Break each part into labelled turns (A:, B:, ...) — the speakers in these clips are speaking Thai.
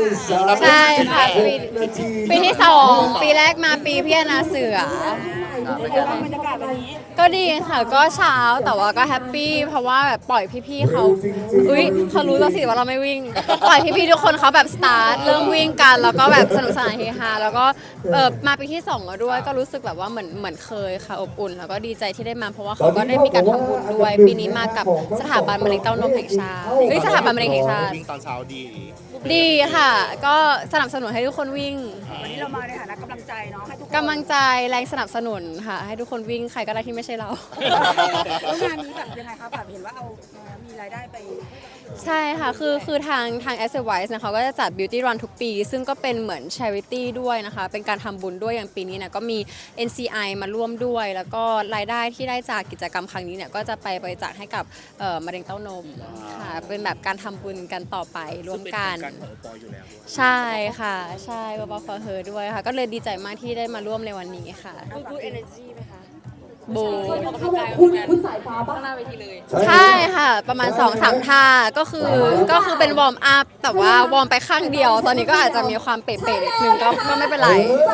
A: ใช่ค่ะปีที่2ปีแรกมาปีพี่นาเสือ
B: บรรยากาศวันนี้
A: ก็ดีค่ะก็เช้าแต่ว่าก็แฮปปี้เพราะว่าแบบปล่อยพี่ๆเขาเขารู้แล้วสิว่าเราไม่วิ่งปล่อยพี่ๆทุกคนเขาแบบสตาร์ทเริ่มวิ่งกันแล้วก็แบบสนุกสนานเฮฮาแล้วก็มาปีที่2แล้วด้วยก็รู้สึกแบบว่าเหมือนเคยค่ะอบอุ่นแล้วก็ดีใจที่ได้มาเพราะว่าเขาก็ได้มีการทำบุญด้วยปีนี้มากับสถาบันมะเร็งเต้านมแห่งชาติสถาบันมะเร็งแห่งชาติ
C: วิ่งตอนเช้าดี
A: ดีค่ะก็สนับสนุนให้ทุกคนวิ่ง
B: วันนี้เรามาในฐานะกำลังใจเนาะให้ทุกคน
A: กำลังใจแรงสนับสนุนค่ะให้ทุกคนวิ่งใครก็ได้ที่ไม่ใช่เรา
B: แล้วงานนี้แบบยังไงคะแบบเห็นว่าเอามีรายได้ไป
A: ใช่ค่ะคือทาง Asset Wise นะคะก็จะจัด Beauty Run ทุกปี ซึ่งก็เป็นเหมือน Charity ด้วยนะคะเป็นการทำบุญด้วยอย่างปีนี้เนี่ยก็มี NCI มาร่วมด้วย แล้วก็รายได้ที่ได้จากกิจกรรมครั้งนี้เนี่ยก็จะไปบริจาคให้กับมะเร็งเต้านมค่ะเป็นแบบการทำบุญกันต่อไปร่วมกัน
C: การของปออยู่แล้วด้วย
A: ใช่ค่ะใช่บอฟอเฮอด้วยค่ะก็เลยดีใจมากที่ได้มาร่วมในวันนี้ค่ะ
D: พูด energy ไหมคะ
A: บู
E: คุณสายฟ้าปะ
D: ข้างหน้าเวทีเลย
A: ใช่ค่ะประมาณ 2-3 ท่าก็คือเป็นวอร์มอัพแต่ว่าวอร์มไปข้างเดียว ตอนนี้ก็อาจจะมีความเป๋ๆนิดนึงก็ไม่เป็นไร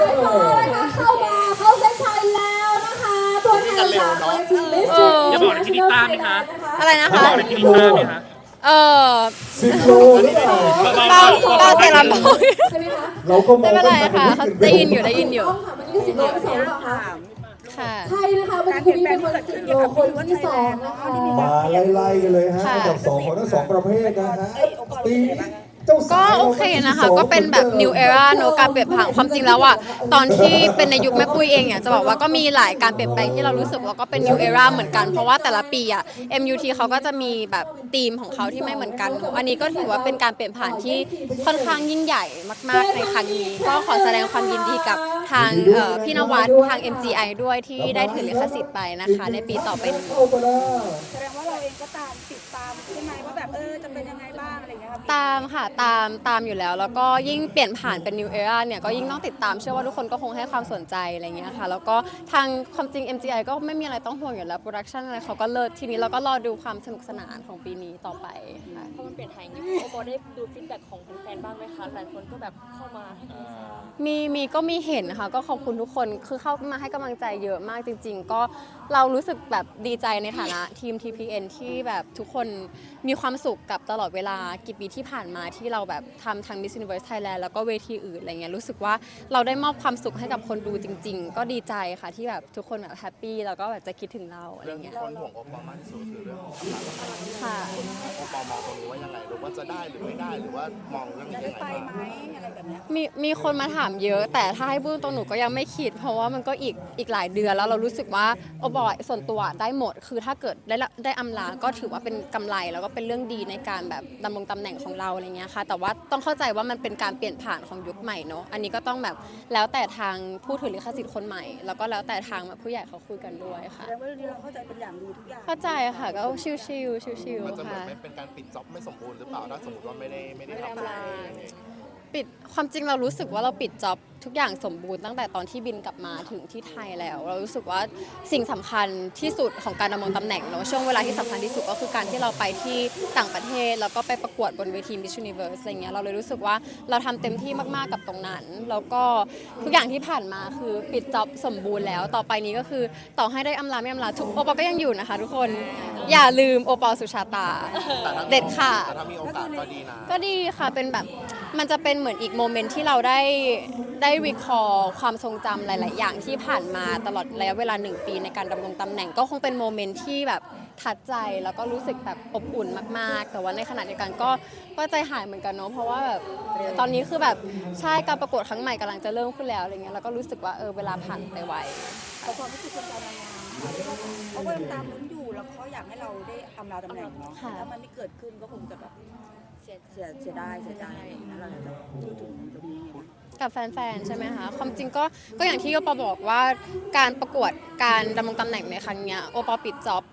E: เข้าเส้นชัยแล้วนะคะตัวแทนจากเวทีมิส
F: อย่าบอกนะพี่นิต้าไหมคะ
A: อะไรนะคะ
F: บอกนะพี่นิต้าไหมคะ
A: เออ
E: 10 โลนี่ค่ะ
A: เบาเสียงลำโพง
E: ใช่ไหมคะ
C: เราก็ม
A: ไม่
C: อง
A: เป็นไรค่ะเขาได้ยินอยู่ได้ยินอยู่
E: ต้องค่ะเมื่อกี้10 โลที่2หรือเปล่าคะ
A: ค่ะ
E: ใช่นะคะเมื่อกี้คุณมีเป็นคน10 โลคนที่2นะคะ
C: มาไล่ๆกันเลยฮะ
A: ค่ะ
C: อันดับ2ของทั้ง2ประเภทนะฮะปีเจ้าสา
A: ก็
C: ว
A: โอเคนะคะก็เป็นแบบ new era เนอะการเปลี่ยนผ่านความจริงแล้วอะตอนที่เป็นในยุคแม่ปุ้ยเองเนี่ยจะบอกว่าก็มีหลายการเปลี่ยนแปลงที่เรารู้สึกว่าก็เป็น new era เหมือนกันเพราะว่าแต่ละปีอะ MUT เขาก็จะมีแบบธีมของเขาที่ไม่เหมือนกันเนอะอันนี้ก็ถือว่าเป็นการเปลี่ยนผ่านที่ค่อนข้างยิ่งใหญ่มากๆในครั้งนี้ ก็ขอแสดงความยินดีกับทางพี่นวัดทาง MGI ด้วยที่ได้ถือลิขสิทธิ์ไปนะคะในปีต่อไปนี้
C: เข้ามาแล้ว
B: แสดงว่าเราเองก็ติดตามใช่ไหมว่าแบบจะเป็นยังไงบ้างอะไรอย่างเงี้ยครับ
A: ตามค่ะตามอยู่แล้วแล้วก็ยิ่งเปลี่ยนผ่านเป็น New Era เนี่ยก็ยิ่งต้องติดตามเชื่อว่าทุกคนก็คงให้ความสนใจอะไรเงี้ยค่ะแล้วก็ทางความจริง MGI ก็ไม่มีอะไรต้องห่วงอยู่แล้วโปรดักชันอะไรเขาก็เลิศทีนี้เราก็รอดูความสนุกสนานของปีนี้ต่อไปค่ะ
D: พอมันเปลี่ยนไทยอย่างนี้โอปอได้ดูฟีดแบ็กของแฟนๆบ้างไหมคะ หลายคนก็แบบเข้ามาให้กำลังใจ
A: มีเห็นค่ะก็ขอบคุณทุกคนคือเข้ามาให้กำลังใจเยอะมากจริง ๆ ก็เรารู้สึกแบบดีใจในฐานะทีม TPN ที่แบบทุกคนมีความสุขกับตลอดเวลากี่ปีที่ผ่านมาที่เราแบบทำทาง Miss Universe Thailand แล้วก็เวทีอื่นอะไรเงี้ยรู้สึกว่าเราได้มอบความสุขให้กับคนดูจริง ๆ ก็ดีใจค่ะที่แบบทุกคนแบบแฮปปี้แล้วก็แบบจะคิดถึงเราอะไร
C: เรื่องที่
A: เงี้ย
C: คนห่วงโอปอลมากที่สุดคือเรื่องของราคา
A: ค่ะ
C: โอปอลมองตรงนี้ว่ายังไงหรือว่าจะได้หรือไม่ได้หรือว่ามองเรื่องนี้
B: จะ
C: ยั
B: ได้
C: งไง
B: ไป
C: บ้าง
B: ไหมอะไรแบบเนี้ย
A: มีคนมาถามเยอะ แต่ถ้าให้พูดตรงหนูก็ยังไม่คิด เพราะว่ามันก็อีกหลายเดือนแล้วเรารู้สึกว่าโอบอยส่วนตัวได้หมด คือถ้าเกิดได้อำลาก็ถือว่าเป็นกำไรแล้วก็เป็นเรื่องดีในการแบบดำรงตำแหน่งของเราอะไรเงี้ยค่ะแต่ว่าต้องเข้าใจว่ามันเป็นการเปลี่ยนผ่านของยุคใหม่เนอะอันนี้ก็ต้องแบบแล้วแต่ทางผู้ถือลิขสิทธิ์คนใหม่ แล้วก็แล้วแต่ทางแบบผู้ใหญ่เขาคุยกันด้วยค่ะ
B: แสดงว่าเรื่องนี้เราเข้าใจเป็นอย่างดีทุกอย่าง
A: เข้าใจค่ะก็ชิวๆ
C: มันจะเหมือ
A: ค่ะ
C: นไม่เป็นการปิดจ็อบไม่สมบูรณ์หรือเปล่าถ้าสมมติว่าไม่ได้ทำอะไรอย่างเงี้ย
A: ปิดความจริงเรารู้สึกว่าเราปิดจ็อบทุกอย่างสมบูรณ์ตั้งแต่ตอนที่บินกลับมาถึงที่ไทยแล้ว เรารู้สึกว่าสิ่งสำคัญที่สุดของการดำรงตำแหน่งเนอะช่วงเวลาที่สำคัญที่สุดก็คือการที่เราไปที่ต่างประเทศแล้วก็ไปประกวดบนเวที Miss Universe อะไรเงี้ยเราเลยรู้สึกว่าเราทำเต็มที่มากๆกับตรงนั้นแล้วก็ทุกอย่างที่ผ่านมาคือปิดจ็อบสมบูรณ์แล้วต่อไปนี้ก็คือต่อให้ได้อำลาไม่อำลาทุกโอปอลก็ยังอยู่นะคะทุกคนอย่าลืมโอปอลสุชาตาเด็ดค่ะ
C: แต่ถ้ามีโอกาสก็ดีนะ
A: ก็ดีค่ะเป็นแบบมันจะเป็นเหมือนอีกโมเมนต์ที่เราได้รีคอร์ความทรงจำหลาย ๆ อย่างที่ผ่านมาตลอดระยะเวลา1 ปีในการดำรงตำแหน่งก็คงเป็นโมเมนต์ที่แบบทัดใจแล้วก็รู้สึกแบบอบอุ่นมาก ๆ แต่ว่าในขณะเดียวกันก็ใจหายเหมือนกันเนาะเพราะว่าแบบตอนนี้คือแบบใช่การประกวดครั้งใหม่กำลังจะเริ่มขึ้นแล้วอะไรเงี้ยแล้วก็รู้สึกว่าเวลาผ่านไปไว
B: แต่ความรู้สึกคนการนางงามเขาก็ยังตามลุ้นอยู่แล้วเขาอยากให้เราได้อำลาตำแหน่งเนาะ
A: ค่ะ
B: ถ้ามันไม่เกิดขึ้นก็คงจะแบบเสียดายแล้วเราจะพูดถึงตรงนี้ไง
A: กับแฟน ๆ ใช่ไหมคะ ความจริงก็อย่างที่โอปอบอกว่าการประกวดการดำรงตำแหน่งในครั้งเนี้ยโอปอปิดจ็อบ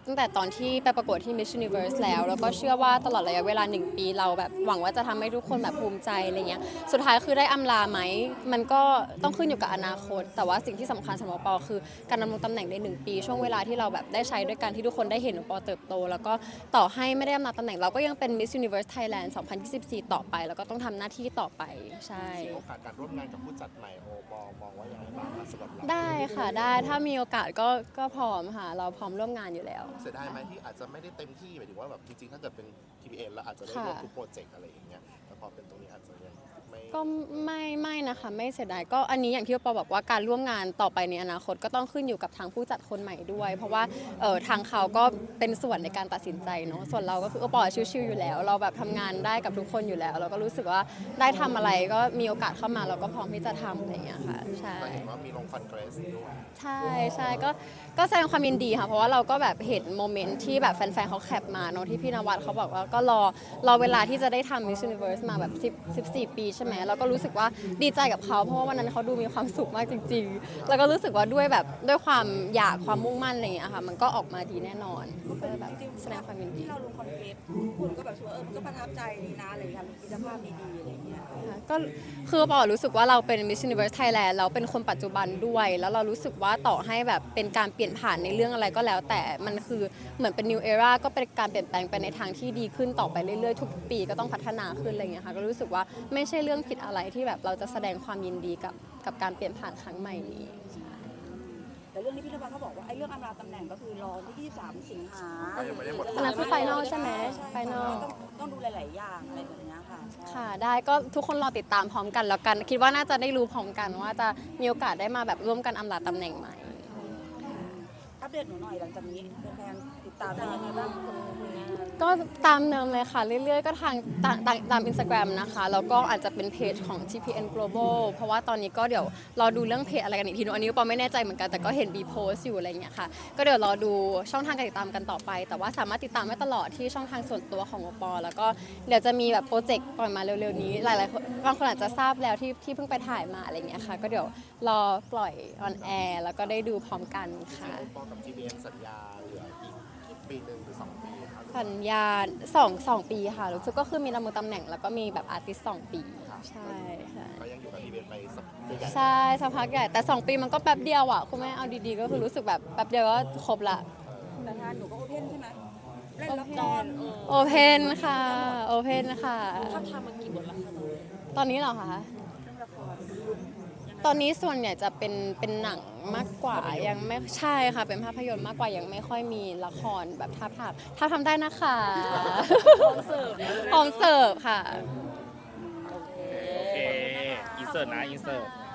A: ตั้งแต่ตอนที่ไปประกวดที่ Miss Universe แล้วก็เชื่อว่าตลอดระยะเวลา1 ปีเราแบบหวังว่าจะทำให้ทุกคนแบบภูมิใจอะไรเงี้ยสุดท้ายคือได้อำลาไหมมันก็ต้องขึ้นอยู่กับอนาคต แต่ว่าสิ่งที่สำคัญสำหรับปอคือการดำรงตำแหน่งใน1 ปีช่วงเวลาที่เราแบบได้ใช้ด้วยกันที่ทุกคนได้เห็นปอเติบโตแล้วก็ต่อให้ไม่ได้อำลาตำแหน่งเราก็ยังเป็น Miss Universe Thailand 2024 ต่อไปแล้วก็ต้องทำหน้าที่ต่อไปใช่
C: โอกาสการร่วมงานกับผู้จัดใหม่โอปอมองว่าอย่างไรบ้างคะสำหรับเรา
A: ได้ค่ะได้ถ้ามีโอกาสก็พร้อมค่ะเราพร้อมร่วมงานอยู่แล้ว
C: เสียดายไหมที่อาจจะไม่ได้เต็มที่หมายถึงว่าแบบจริงๆถ้าเกิดเป็น TPN แล้วอาจจะได้ร่วมทุกโปรเจกต์อะไรอย่างเงี้ยแต่พอเป็นตรงนี้อาจจะยังไม่
A: ก็ไม่นะคะไม่เสียดายก็อันนี้อย่างที่ปอบอกว่าการร่วมงานต่อไปในอนาคตก็ต้องขึ้นอยู่กับทางผู้จัดคนใหม่ด้วย เพราะว่าทางเขาก็เป็นส่วนในการตัดสินใจเนาะส่วนเราก็คือปอชิวๆอยู่แล้ว เราแบบทำงานได้กับทุกคนอยู่แล้ว เราก็รู้สึกว่าได้ทำอะไรก็มีโอกาสเข้ามาเราก็พร้อมที่จะทำอะไรอย่างเงี้ยค่ะใช่
C: แต่เห็นว่ามีลงคอนเกรสด้วย
A: ใช่ก็แสดงความยินดีค่ะเพราะว่าเราก็แบบเห็นโมเมนต์ที่แบบแฟนๆเขาแคปมาเนาะที่พี่นวัดเขาบอกว่าก็รอเวลาที่จะได้ทำ Miss Universe มาแบบ14 ปีใช่ไหมแล้วก็รู้สึกว่าดีใจกับเขาเพราะว่าวันนั้นเขาดูมีความสุขมากจริงๆ แล้วก็รู้สึกว่าด้วยความอยากความมุ่งมั่นอะไรอย่างเงี้ยค่ะมันก็ออกมาดีแน่นอนก็เลยแบบแสดงความยินดี
B: ที่เราลงคอนเทนต์คุณก็แบบว่ามันก็ประทับใจดีนะอะไรอย่างเงี้ยมีคุณภาพดีๆอะไรอย่างเงี้ย
A: ก็คือปอรู้สึกว่าเราเป็น Miss Universe Thailand เราเป็นคนปัจจุบันด้วย แล้วเรารู้สึกว่าต่อให้แบบเป็นการเปลี่ยนผ่านในเรื่องอะไรก็แล้ว แต่มันคือเหมือนเป็น new era ก็เป็นการเปลี่ยนแปลงไปในทางที่ดีขึ้นต่อไปเรื่อยๆทุกปีก็ต้องพัฒนาขึ้นอะไรอย่างเงี้ยค่ะก็รู้สึกว่าไม่ใช่เรื่องผิดอะไรที่แบบเราจะแสดงความยินดีกับการเปลี่ยนผ่านครั้งใหม่นี้
B: แต่เรื่องที่พี่นวัดเขาบอกว่าไอ้เรื่องอำลาตำแหน่งก็คือรอที่ 23 สิงหา
C: ก็ยังไม่ได้หมด
A: อันนั้นคือ final ใช่ไหม final
B: ต้องดูหลายๆอย่างอะไรแบบเนี้ยค่ะใช่
A: ค่ะได้ก็ทุกคนรอติดตามพร้อมกันแล้วกัน คิดว่าน่าจะได้รู้พร้อมกันว่าจะมีโอกาสได้มาแบบร่วมกันอำลาตำแหน่งใหม่
B: อัปเดตหนูหน่อยหลังจากนี้แฟนๆติดตามได้ยังไงบ้างคนงาน
A: ก็ตามเดิมเลยค่ะ เรื่อยๆ ก็ทางตาม Instagram นะคะ แล้วก็อาจจะเป็นเพจของ TPN Global เพราะว่าตอนนี้ก็เดี๋ยวรอดูเรื่องเพจอะไรกันอีกทีนึงอันนี้ปอไม่แน่ใจเหมือนกันแต่ก็เห็นมีโพสต์อยู่อะไรอย่างเงี้ยค่ะก็เดี๋ยวรอดูช่องทางการติดตามกันต่อไป แต่ว่าสามารถติดตามได้ตลอดที่ช่องทางส่วนตัวของปอแล้วก็เดี๋ยวจะมีแบบโปรเจกต์ปล่อยมาเร็วๆนี้หลายๆคนบางคนอาจจะทราบแล้วที่เพิ่งไปถ่ายมาอะไรอย่างเงี้ยค่ะก็เดี๋ยวรอปล่อยออนแอร์แล้วก็ได้ดูพร้อมกันค่ะ
C: โอปอกับ TPN สัญญาเหลืออีกปีหนึ่งหรือ2 ปีครับ
A: สัญญา2 ปีค่ะรู้สึกก็คือมีดำรงตำแหน่งแล้วก็มีแบบอาร์ติสต์2 ปีใช่ค่ะ
C: ก็ยังอยู่กับ TPN ไปสักใหญ่
A: ใช่สักพักใหญ่แต่2 ปีมันก็แป๊บเดียวอ่ะคุณแม่เอาดีๆก็คือรู้สึกแบบแป๊บเดียวก็ครบละ
B: แต่งานหนูก็โอเพนใช่ไหมเล่นละคร
A: โอเพนค่ะโอเพนค่ะ
D: ถ้าทำมากี่บทแล้วคะ
A: ตอนนี้เหรอคะ
B: เรื่องละคร
A: ตอนนี้ส่วนใหญ่จะเป็นหนังมากกว่ายังไม่ใช่ค่ะเป็นภาพยนตร์มากกว่ายังไม่ค่อยมีละครแบบถ้าทำได้นะคะพร้อมเสิร์ฟค่ะ
F: โอเค อินเสิร์ตนะ อินเสิร์ต